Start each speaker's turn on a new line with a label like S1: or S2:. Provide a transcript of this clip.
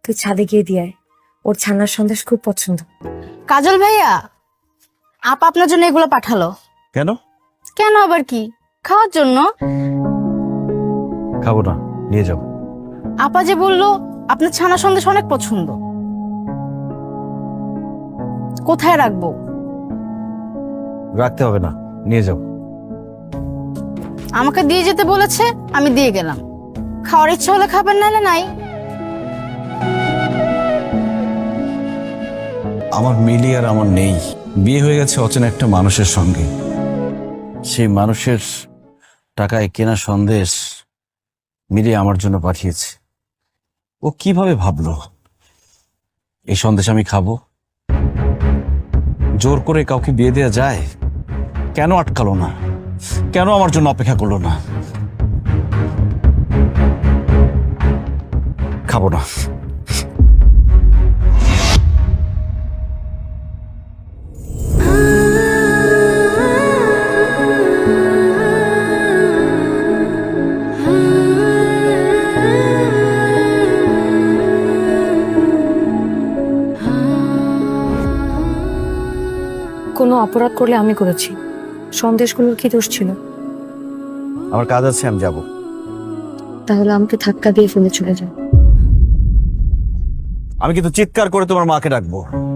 S1: তুই ছাদে গিয়ে দিয়ে আয়। ওর ছানার সন্দেশ খুব পছন্দ।
S2: কাজল ভাইয়া, আপা আপনার জন্য এগুলো পাঠালো।
S3: কেন?
S2: কেন আবার কি, খাওয়ার জন্য।
S3: খাবো না, নিয়ে যাও।
S2: আপা যে বললো আপনার ছানা সন্দেশ অনেক পছন্দ। কোথায় রাখবো?
S3: রাখতে হবে না, নিয়ে যাও।
S2: আমাকে দিয়ে যেতে বলেছে, আমি দিয়ে গেলাম। খাওয়ার ইচ্ছা হলে খাবেন, নাহলে নাই।
S3: আমার মিলি আর আমার নেই, বিয়ে হয়ে গেছে অচেনা একটা মানুষের সঙ্গে। সেই মানুষের টাকায় কেনা সন্দেশ মিলি আমার জন্য পাঠিয়েছে। ও কিভাবে ভাবলো এই সন্দেশ আমি খাবো? জোর করে কাউকে বিয়ে দেওয়া যায়? কেন আটকালো না? কেন আমার জন্য অপেক্ষা করলো না? খাবো না।
S1: কোনো অপরাধ করলে আমি করেছি, সন্দেশগুলোর কি দোষ ছিল?
S3: আমার কাজ আছে, আমি যাব।
S1: তাহলে আমাকে ধাক্কা দিয়ে ফেলে চলে যাও।
S3: আমি কিন্তু চিৎকার করে তোমার মাকে ডাকবো।